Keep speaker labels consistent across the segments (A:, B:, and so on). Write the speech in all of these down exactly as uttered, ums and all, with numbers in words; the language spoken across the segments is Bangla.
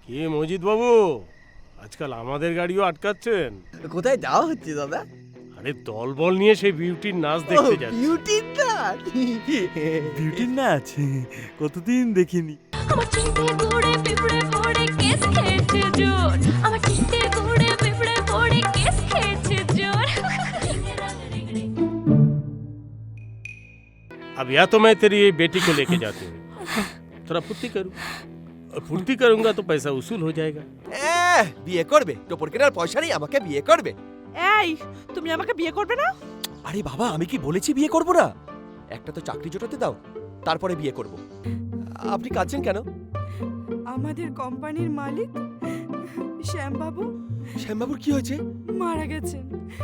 A: কি মজিদ বাবু, আজকাল আমাদের গাড়িও আটকাচ্ছেন?
B: কোথায় যাওয়া হচ্ছে দাদা?
A: আরে দলবল নিয়ে সেই বিউটির নাচ দেখতে যাচ্ছি।
B: বিউটির নাচ?
C: বিউটির নাচ কতদিন দেখিনি।
D: আমার চিনতে ঘুরে পিঁপড়ে পড়ে কেস খেয়েছে জোর, আমার চিনতে ঘুরে পিঁপড়ে পড়ে কেস খেয়েছে জোর।
A: अब या तो मैं तेरी ये बेटी को लेके जाती हूँ, थोड़ा फुर्ती करूँ, और फुर्ती करूंगा तो पैसा वसूल हो जाएगा।
B: এহ, বিয়ে করবে? টোপর কেনার পয়সা নেই, আমাকে বিয়ে করবে?
E: এই তুমি আমাকে বিয়ে করবে না?
B: আরে বাবা, আমি কি বলেছি বিয়ে করব না? একটা তো চাকরি জোটাতে দাও, তারপরে বিয়ে করব। আপনি কাঁদছেন কেন?
E: আমাদের কোম্পানির মালিক শ্যামবাবু
B: শ্যামবাবুর কি হয়েছে?
E: মারা গেছেন।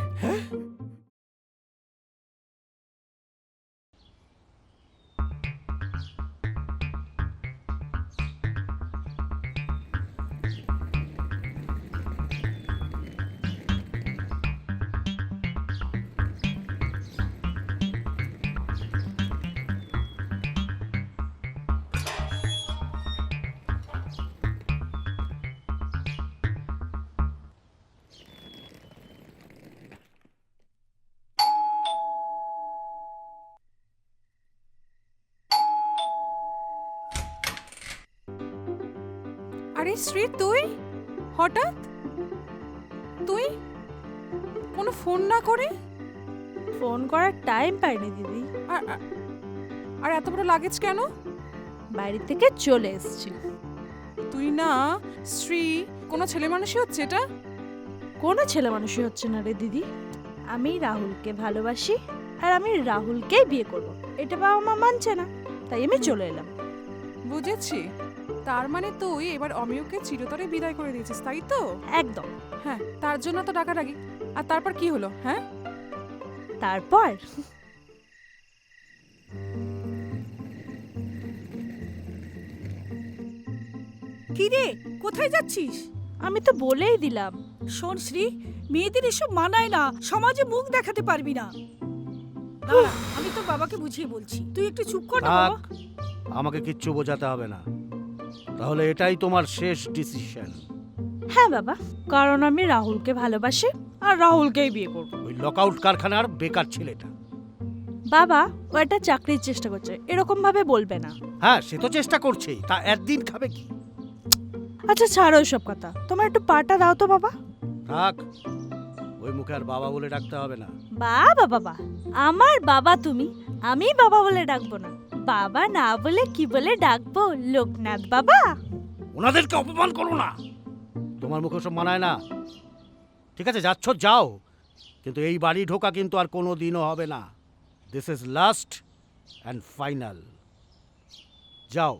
E: আরে শ্রী, তুই হঠাৎ? তুই কোনো ফোন না করে?
F: ফোন করার টাইম পাইনি দিদি,
E: আর আর এত বড় লাগেজ কেন?
F: বাড়ি থেকে চলে এসেছি।
E: তুই না শ্রী, কোনো ছেলে মানুষই হচ্ছে এটা?
F: কোনো ছেলে মানুষই হচ্ছে না রে দিদি। আমি রাহুলকে ভালোবাসি আর আমি রাহুলকেই বিয়ে করব, এটা বাবা মা মানছে না, তাই আমি চলে এলাম।
E: বুঝেছি, তার মানে তুই এবার অমিয়কে চিরতরে বিদায় করে দিয়েছিস, তাই তো?
F: একদম।
E: হ্যাঁ, তার জন্য তো ডাকাডাকি। আর তারপর কি হলো? হ্যাঁ,
F: তারপর
G: কি রে, কোথায় যাচ্ছিস?
F: আমি তো বলেই দিলাম।
G: শোন শ্রী, মেয়েদের এসব মানায় না, সমাজে মুখ দেখাতে পারবি না। দাঁড়া, আমি তোর বাবাকে বুঝিয়ে বলছি, তুই একটু চুপ কর না বাবা।
C: আমাকে কিচ্ছু বোঝাতে হবে না, তাহলে এটাই তোমার শেষ ডিসিশন।
F: হ্যাঁ বাবা, কারণ আমি রাহুলকে ভালোবাসি আর রাহুলকেই বিয়ে করব।
C: ওই লকআউট কারখানার বেকার ছেলেটা।
F: বাবা, ও একটা চাকরির চেষ্টা করছে, এরকম ভাবে বলবে না।
C: হ্যাঁ, সে তো চেষ্টা করছেই, তা একদিন খাবে কি?
F: আচ্ছা ছাড়ো সব কথা, তোমার একটু পাটা দাও তো বাবা।
C: থাক, ওই মুখে আর বাবা বলে ডাকতে হবে না।
F: বাবা বাবা, আমার বাবা তুমি, আমি বাবা বলে ডাকবো না। বাবা না বলে কি বলে ডাকবো? লোকনাথ বাবা।
C: ওনাদেরকে অপমান করো না, তোমার মুখে সব মানায় না। ঠিক আছে, যাচ্ছ যাও, কিন্তু এই বাড়ি ঢোকা কিন্তু আর কোনো দিনও হবে না। This is last and final. যাও।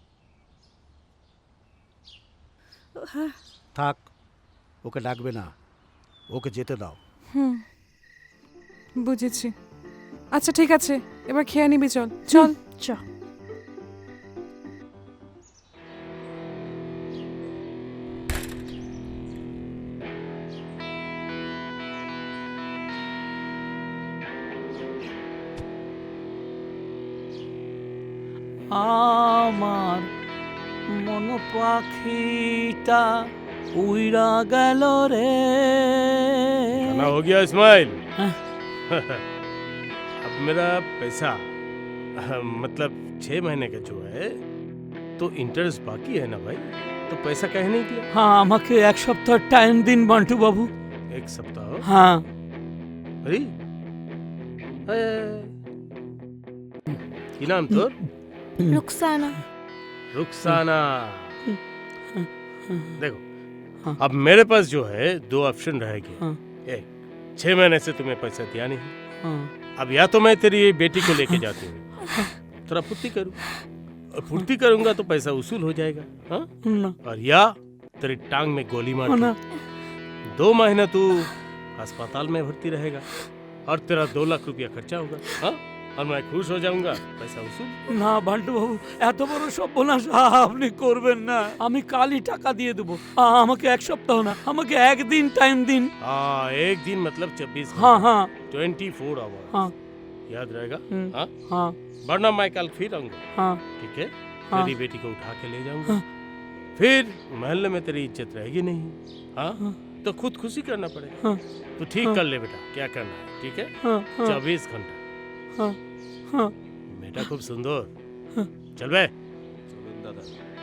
C: থাক, ওকে ডাকবে না, ওকে যেতে দাও।
E: হুম, বুঝেছি। আচ্ছা ঠিক আছে, এবার খেয়ে নিবি, চল চল।
F: চ।
H: আমার মন পাখিটা উইরা গেল রে।
A: खाना हो गया इस्माइल?
H: हाँ।
A: अब मेरा पैसा मतलब छह महीने का जो है तो इंटरेस्ट बाकी है ना भाई, तो पैसा कहे नहीं दिया?
H: হ্যাঁ, আমাকে এক সপ্তাহ টাইম দিন বান্টু বাবু।
A: एक सप्ताह?
H: হ্যাঁ।
A: अरे ए, की नाम तोर?
F: রুকসানা।
A: रुखसाना। देखो, अब मेरे पास जो है दो ऑप्शन रहेगी।
H: हाँ।
A: एक, छह महीने से तुम्हें पैसा दिया नहीं,
H: হ্যাঁ।
A: अब या तो मैं तेरी ये बेटी को लेके जाती हूँ, थोड़ा फुर्ती करूँ, और फुर्ती करूंगा तो पैसा वसूल हो जाएगा, हाँ?
H: না
A: और या तेरी टांग में गोली मार
H: না
A: के दो महीने तू अस्पताल में भर्ती रहेगा और तेरा दो लाख रुपया खर्चा होगा, हाँ? और मैं खुश हो जाऊंगा, पैसा वसूल।
H: না বান্টু বাবু, এত বড় সর্বনাশ আপনি করবেন না। আমি কালই টাকা দিয়ে দেবো। আ- আমাকে এক সপ্তাহ না, আমাকে একদিন টাইম দিন।
A: हाँ, एक दिन मतलब छब्बीस
H: হ্যাঁ হ্যাঁ
A: ट्वेंटी फोर आवर,
H: হ্যাঁ
A: याद रहेगा,
H: हम्म।
A: हाँ?
H: হ্যাঁ
A: वरना मैं कल फिर आऊंगा,
H: হ্যাঁ।
A: ठीक है?
H: हाँ।
A: तेरी बेटी को उठा के ले जाऊंगा, फिर महल्ले में तेरी इज्जत रहेगी नहीं। हाँ तो खुद खुशी करना पड़ेगा।
H: हाँ
A: तो ठीक कर ले बेटा, क्या करना है, ठीक है?
H: हाँ हाँ
A: चौबीस घंटा।
H: हाँ हाँ
A: बेटा खूब सुंदर। चल बे।
B: চলুন দাদা।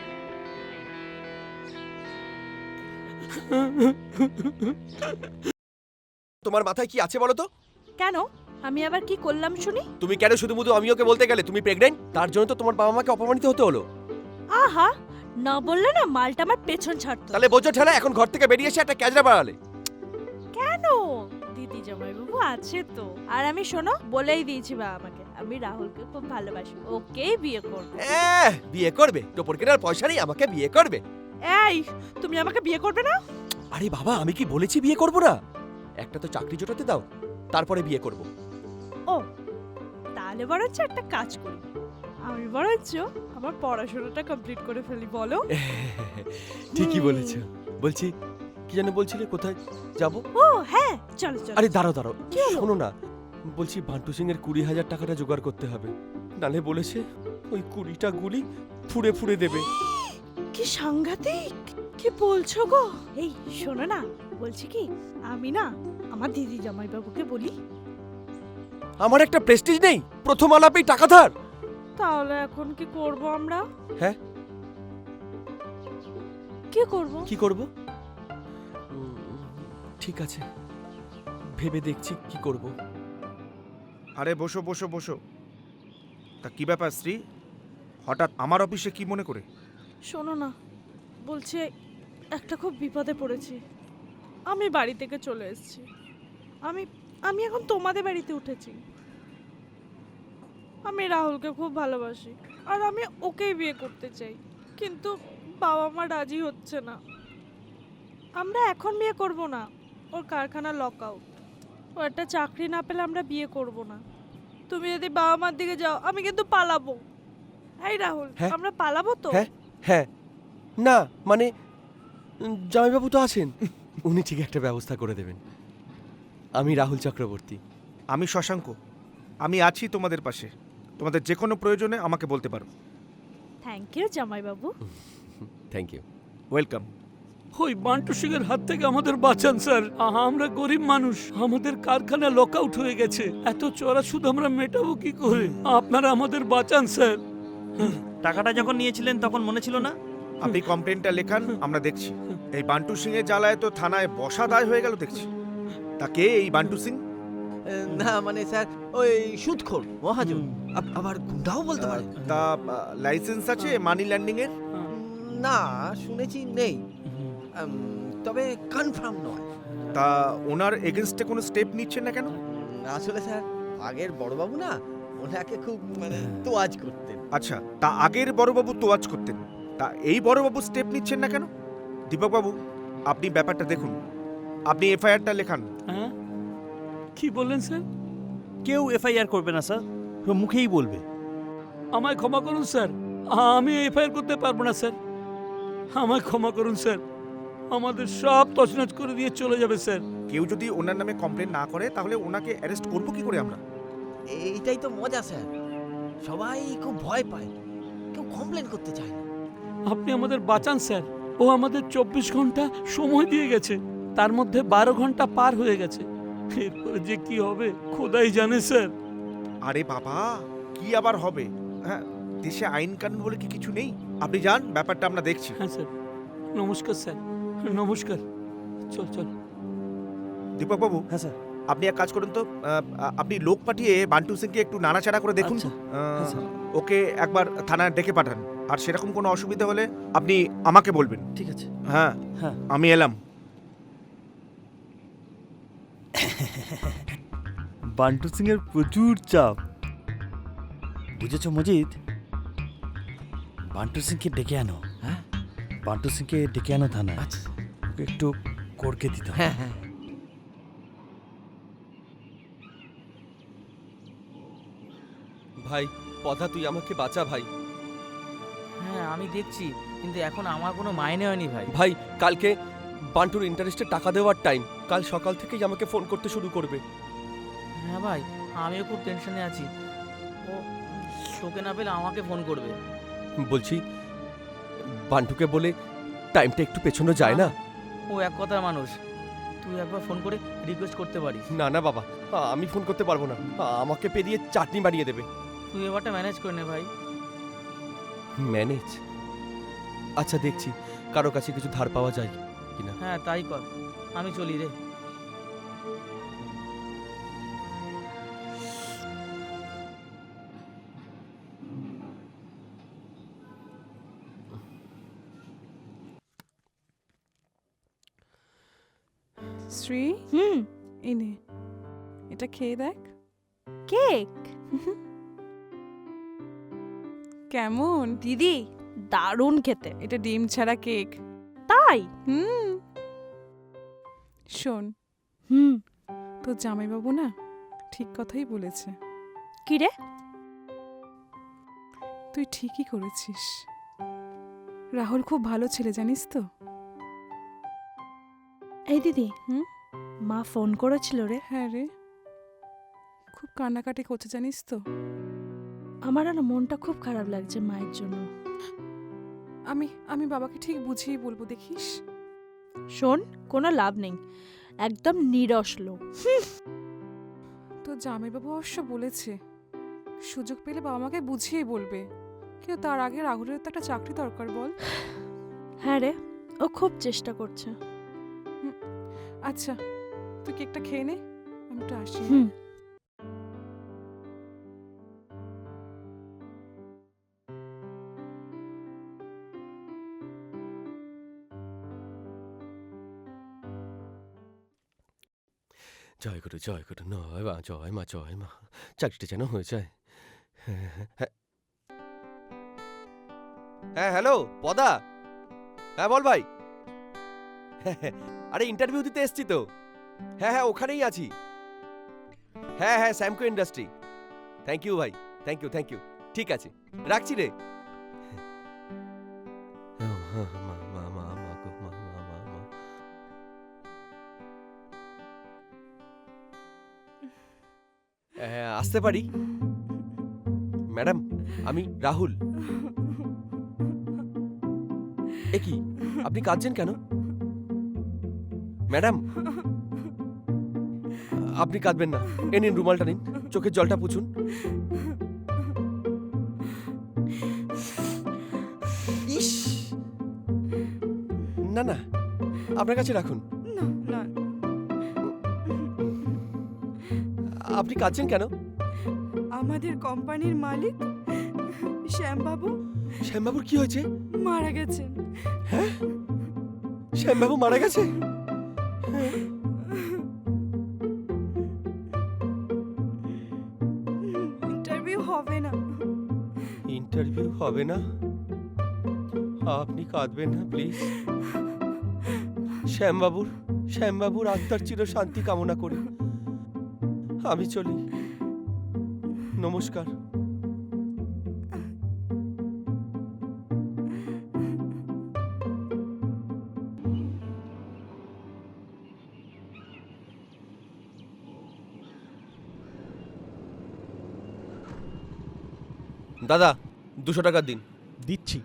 B: তোমার মাথায় কি আছে বলো তো?
F: কেন আমি আবার কি করলাম শুনি?
B: তুমি কেন শুধু শুধু আমি ওকে বলতে গেলে তুমি প্রেগনেন্ট? তার জন্য তো তোমার বাবা মাকে অপমানিত হতে হলো।
F: আহা, না বললে না মালটা আমার পেছন ছাড়তো।
B: তাহলে বোঝো ঠেলা, এখন ঘর থেকে বেরিয়ে এসে একটা ক্যাজরা বাড়ালে।
F: কেন? দিদি জামাইবাবু আছে তো। আর আমি শোনো, বলেই দিয়েছি বাবা আমাকে, আমি রাহুলকে খুব ভালোবাসি, ওকেই বিয়ে করব।
B: এহ, বিয়ে করবে? টোপর কেনার পয়সা নেই, আমাকে বিয়ে করবে?
F: এই, তুমি আমাকে বিয়ে করবে না?
B: আরে বাবা, আমি কি বলেছি বিয়ে করব না? একটা তো চাকরি জোটাতে দাও, তারপরে বিয়ে করব।
F: ও, তাহলে বরঞ্চ একটা কাজ করি, আমি বরঞ্চ আমার পড়াশোনাটা কমপ্লিট করে ফেলি, বলো?
B: ঠিকই
F: হুম।
B: বলেছো। বলছি, কি যেন বলছিলে, কোথায় যাব?
F: ও হ্যাঁ, চলো চলো।
B: আরে দাঁড়াও দাঁড়াও,
F: কি হলো?
B: শোনো না, বলছি বান্টু সিং এর কুড়ি হাজার টাকাটা জোগাড় করতে হবে, নালে বলেছে ওই কুড়িটা গুলি ফুড়ে ফুড়ে দেবে।
F: কি সাংঘাতিক! কি বলছো গো? এই শোনো না, বলছি কি, আমি না আমার দিদি জামাইবাবুকে বলি।
B: আমার একটা প্রেস্টিজ নেই, প্রথম আলাপেই টাকা ধার।
F: তাহলে এখন কি করব আমরা?
B: হ্যাঁ,
F: কি করব?
B: কি করব? ঠিক আছে, ভেবে দেখছি কি করব।
I: আরে বসো বসো বসো। তা কি ব্যাপার শ্রী, হঠাৎ আমার অফিসে কি মনে করে?
F: শোনো না, বলছে একটা খুব বিপদে পড়েছি, আমি বাড়ি থেকে চলে এসেছি, আমি আমি এখন তোমাদের বাড়িতে উঠেছি। আমি রাহুলকে খুব ভালোবাসি আর আমি ওকেই বিয়ে করতে চাই, কিন্তু বাবা মা রাজি হচ্ছে না। আমরা এখন বিয়ে করব না, ওর কারখানা লক আউট, ও একটা চাকরি না পেলে আমরা বিয়ে করব না। তুমি যদি বাবা মার দিকে যাও, আমি কিন্তু পালাবো। এই রাহুল,
B: হ্যাঁ?
F: আমরা পালাবো তো?
B: হ্যাঁ হ্যাঁ, না মানে উম, জামাইবাবু তো আছেন, উনি ঠিক একটা ব্যবস্থা করে দেবেন। আমি রাহুল চক্রবর্তী।
I: আমি শশাঙ্ক, আমি আছি তোমাদের পাশে, তোমাদের যে কোনো প্রয়োজনে আমাকে বলতে পারো।
F: থ্যাংক ইউ জামাইবাবু।
B: Thank you.
I: ওয়েলকাম।
H: ওই বান্টু সিং এর হাত থেকে আমাদের বাঁচান স্যার, আ- আমরা গরিব মানুষ, আমাদের কারখানা লক আউট হয়ে গেছে, এত চড়া সুদ আমরা মেটাবো কি করে? আপনারা আমাদের বাঁচান স্যার।
J: টাকাটা যখন নিয়েছিলেন তখন মনে ছিল না?
I: আপনি কমপ্লেনটা লেখান, আমরা দেখছি। এই বান্টু সিং এর জ্বালায় তো থানায় বসা দায় হয়ে গেল দেখছি। তা কে এই বান্টু সিং?
J: না মানে স্যার, ওই সুদখোর মহাজন, আব- আবার গুন্ডাও বলতে পারে।
I: তা লাইসেন্স আছে মানি ল্যান্ডিং এর?
J: না, শুনেছি নেই, উম, তবে কনফার্ম নয়।
I: তা ওনার এগেনস্টে কোনো স্টেপ নিচ্ছেন না কেন?
J: আসলে স্যার, আগের বড়বাবু না ওনাকে খুব মানে তোয়াজ করতেন।
I: আচ্ছা, তা আগের বড়বাবু তোয়াজ করতেন, তা এই বড়বাবু স্টেপ নিচ্ছেন না কেন? দীপকবাবু, আপনি ব্যাপারটা দেখুন, আপনি এফআইআরটা লেখান।
H: হ্যাঁ, কি বললেন স্যার?
J: কেউ এফআইআর করবে না স্যার, ও মুখেই বলবে।
H: আমায় ক্ষমা করুন স্যার, আমি এফআইআর করতে পারবো না স্যার, আমায় ক্ষমা করুন স্যার, আমাদের সব তছনছ করে দিয়ে চলে যাবে স্যার।
I: কেউ যদি ওনার নামে কমপ্লেন না করে তাহলে ওনাকে অ্যারেস্ট করবো কি করে আমরা?
J: এইটাই তো মজা স্যার, সবাই খুব ভয় পায়, কেউ কমপ্লেন করতে চায় না।
H: আপনি আমাদের বাঁচান স্যার, ও আমাদের চব্বিশ ঘন্টা সময় দিয়ে গেছে, তার মধ্যে বারো ঘন্টা পার হয়ে গেছে, এরপরে যে কি হবে খোদাই জানে স্যার।
I: আরে বাবা, কি আবার হবে? হ্যাঁ, দেশে আইন কানুন বলে কি কিছু নেই? আপনি যান, ব্যাপারটা আমরা দেখছি।
H: হ্যাঁ স্যার, নমস্কার স্যার, নমস্কার। চল চল।
I: দীপকবাবু,
J: হ্যাঁ স্যার।
I: আপনি এক কাজ করুন তো, আহ, আপনি লোক পাঠিয়ে বান্টু সিংকে একটু নাড়াচাড়া করে দেখুন তো।
J: আচ্ছা,
I: আহ,
J: হ্যাঁ স্যার।
I: ওকে একবার থানায় ডেকে পাঠান, আর সেরকম কোনো অসুবিধা হলে আপনি আমাকে বলবেন।
J: ঠিক আছে।
I: হ্যাঁ
J: হ্যাঁ।
I: আমি এলাম।
J: বান্টু সিং এর প্রচুর চাপ, বুঝেছো মজিদ? বান্টু সিংকে ডেকে আনো। হ্যাঁ, বান্টু সিংকে ডেকে আনো থানায়। আচ্ছা, ওকে একটু করকে দিতে হবে। হ্যাঁ হ্যাঁ।
B: ভাই পদা, তুই আমাকে বাঁচা ভাই।
K: হ্যাঁ আমি দেখছি, কিন্তু এখন আমার কোনো মাইনে হয়নি ভাই।
B: ভাই, কালকে বান্টুর ইন্টারেস্টে টাকা দেওয়ার টাইম, কাল সকাল থেকেই আমাকে ফোন করতে শুরু করবে।
K: হ্যাঁ ভাই, আমিও খুব টেনশনে আছি, ও তোকে না পেলে আমাকে ফোন করবে।
B: বলছি, বান্টুকে বলে টাইমটা একটু পেছনো যায় না?
K: ও এক কথার মানুষ, তুই একবার ফোন করে রিকোয়েস্ট করতে পারিস।
B: না না বাবা, আমি ফোন করতে পারবো না, আমাকে পেরিয়ে চাটনি বানিয়ে দেবে।
K: তুই এবারটা ম্যানেজ করে নে ভাই।
B: ম্যানেজ? আচ্ছা দেখছি কারো কাছে কিছু ধার পাওয়া যায় কিনা।
K: হ্যাঁ তাই কর, আমি চলি রে।
E: শ্রী,
F: হুম,
E: এই নে, এটা খেয়ে দেখ।
F: কেক?
E: কেমন?
F: দিদি দারুণ খেতে।
E: এটা ডিম ছাড়া কেক।
F: তাই?
E: হুম। শোন,
F: হুম।
E: তোর জামাইবাবু না ঠিক কথাই বলেছে।
F: কি রে?
E: তুই ঠিকই করেছিস। রাহুল খুব ভালো ছেলে, জানিস তো।
F: এই দিদি,
E: হুম?
F: মা ফোন করেছিল রে।
E: হ্যাঁ রে, খুব কান্নাকাটি করছে জানিস তো।
F: আমার না মনটা খুব খারাপ লাগছে মায়ের জন্য।
E: আমি আমি বাবাকে ঠিক বুঝিয়ে বলবো, দেখিস।
F: শোন, কোনো লাভ নেই, একদম নিরস লোক।
E: তোর জামাইবাবু অবশ্য বলেছে সুযোগ পেলে বাবা মাকে বুঝিয়ে বলবে, কিন্তু তার আগে রাহুলের তো একটা চাকরি দরকার, বল।
F: হ্যাঁ রে, ও খুব চেষ্টা করছে।
E: আচ্ছা, তুই কেকটা খেয়ে নে, আমি তো আসি।
F: হুম।
B: জয় গুরু জয় গুরু, নয় মা, জয় মা জয় মা, চাকরিটা যেন হয়ে যায়। হ্যাঁ হ্যালো পদা, হ্যাঁ বল ভাই। আরে ইন্টারভিউ দিতে এসছি তো। হ্যাঁ হ্যাঁ ওখানেই আছি। হ্যাঁ হ্যাঁ স্যামকো ইন্ডাস্ট্রি। থ্যাংক ইউ ভাই, থ্যাংক ইউ থ্যাংক ইউ। ঠিক আছে রাখছি রে। মা মা মা মা গো মা মা মা মা। হ্যাঁ, আসতে পারি? ম্যাডাম, আমি রাহুল। এ কি, আপনি কাঁদছেন কেন? ম্যাডাম, আপনি কাঁদবেন না, এ নিন রুমালটা নিন, চোখের জলটা পুছুন। ইস, না না, আপনার কাছে রাখুন। আপনি কাঁদছেন কেন?
L: আমাদের কোম্পানির মালিক শ্যামবাবু
B: শ্যামবাবুর কি হয়েছে?
L: মারা গেছেন।
B: হ্যাঁ, শ্যামবাবু মারা গেছে?
L: ইন্টারভিউ হবে না।
B: ইন্টারভিউ হবে না? আপনি কাঁদবেন না প্লিজ। শ্যামবাবুর শ্যামবাবুর আত্মার চির শান্তি কামনা করি। আমি চলি, নমস্কার। দাদা, দুশো টাকা দিন।
C: দিচ্ছি।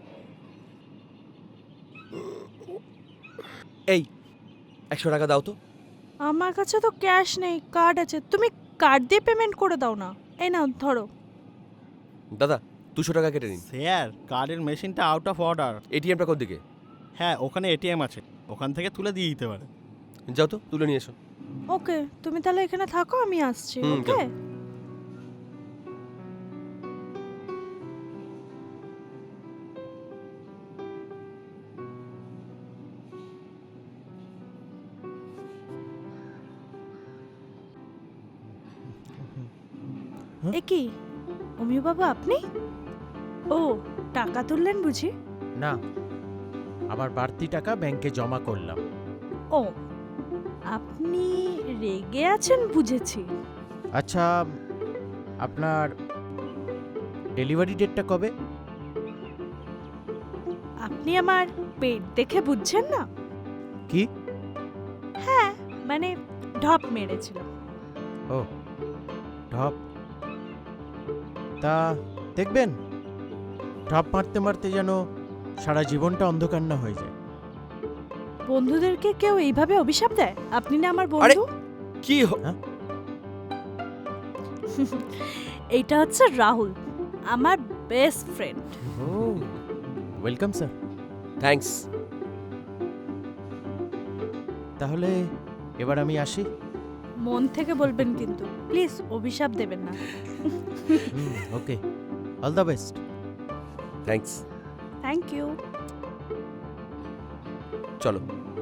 B: এই একশো টাকা দাও তো।
F: আমার কাছে তো ক্যাশ নেই, কার্ড আছে, তুমি কার্ড দিয়ে পেমেন্ট করে দাও না। এই নাও ধরো।
B: দাদা দুশো টাকা কেটে নিন।
C: স্যার, কার্ডের মেশিনটা আউট অফ অর্ডার।
B: এটিএমটা কোন দিকে?
C: হ্যাঁ, ওখানে এটিএম আছে, ওখান থেকে তুলে দিয়ে দিতে পারে।
B: যাও তো, তুলে নিয়ে এসো।
F: ওকে, তুমি তাহলে এখানে থাকো, আমি আসছি।
B: হুম,
F: ওকে। এ কি, অমিয় বাবা আপনি? ও, টাকা তুললেন বুঝি?
M: না, আবার বাড়তি টাকা ব্যাংকে জমা করলাম।
F: ও, আপনি রেগে আছেন বুঝেছি।
M: আচ্ছা, আপনার ডেলিভারি ডেটটা কবে?
F: আপনি আমার পেট দেখে বুঝছেন না?
M: কি?
F: হ্যাঁ, মানে ঢপ মেরেছিলাম।
M: ও, ঢপ। তা দেখবেন, ঢপ মারতে মারতে যেন সারা জীবনটা অন্ধকার না হয়ে যায়।
F: বন্ধুদেরকে কেউ এইভাবে অভিশাপ দেয়? আপনি না আমার
B: আরে
F: বন্ধু।
B: কি হ-
F: এইটা হচ্ছে রাহুল, আমার বেস্ট ফ্রেন্ড।
M: ও ওয়েলকাম স্যার।
B: থ্যাঙ্কস।
M: তাহলে এবার আমি আসি।
F: মন থেকে বলবেন কিন্তু, প্লিজ অভিশাপ দেবেন না।
M: Okay, all the best.
B: Thanks.
F: Thank you.
B: চলো।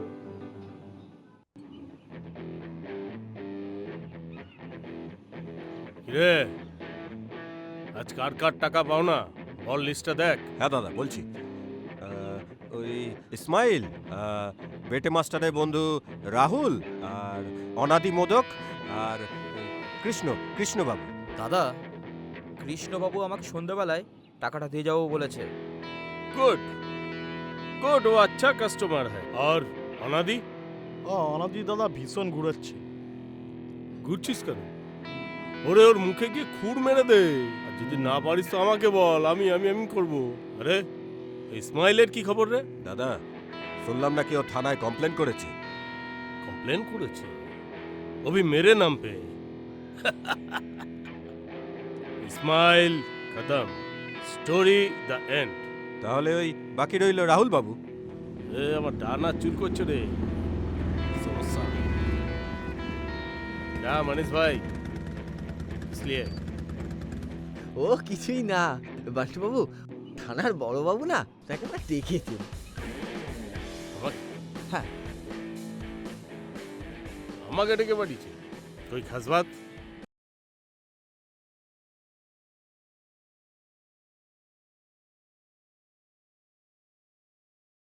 A: কিরে আজ কার কার টাকা পাও না বল, লিস্টটা দেখ।
N: হ্যাঁ দাদা বলছি। আহ, ওই ইসমাইল, আহ, বেটে মাস্টারের বন্ধু রাহুল, আর অনাদি মোদক, আর ওই কৃষ্ণ কৃষ্ণবাবু।
K: দাদা, কৃষ্ণবাবু আমাকে সন্ধ্যাবেলায় টাকাটা দিয়ে যাবো বলেছে।
A: गुड गुड, वो अच्छा कस्टमर है। और अनादि?
C: ও অনাদি দাদা ভীষণ ঘুরাচ্ছে।
A: ঘুরছিস কেন? ওরে ওর মুখে গিয়ে খুর মেরে দে, আর যদি না পারিস তো আমাকে বল, আমি আমি আমি করব। আরে ইসমাইলের কি খবর রে?
N: দাদা শুনলাম নাকি ও থানায় কমপ্লেন করেছে।
A: কমপ্লেন করেছে? ও ভি মেরে নাম পে। ইসমাইল খতম, স্টোরি দ্য এন্ড।
N: তাহলে ওই বাকি রইল রাহুল বাবু।
A: এ আমার ডানা চুল করছে রে, সমস্যা। না মনীষ ভাই, इसलिए
K: ও কিছুই না বাবু, থানার বড়বাবু না তাকে না ডেকেছেন।
A: হ্যাঁ আমাকে ডেকে পাঠিয়েছে, कोई खास बात?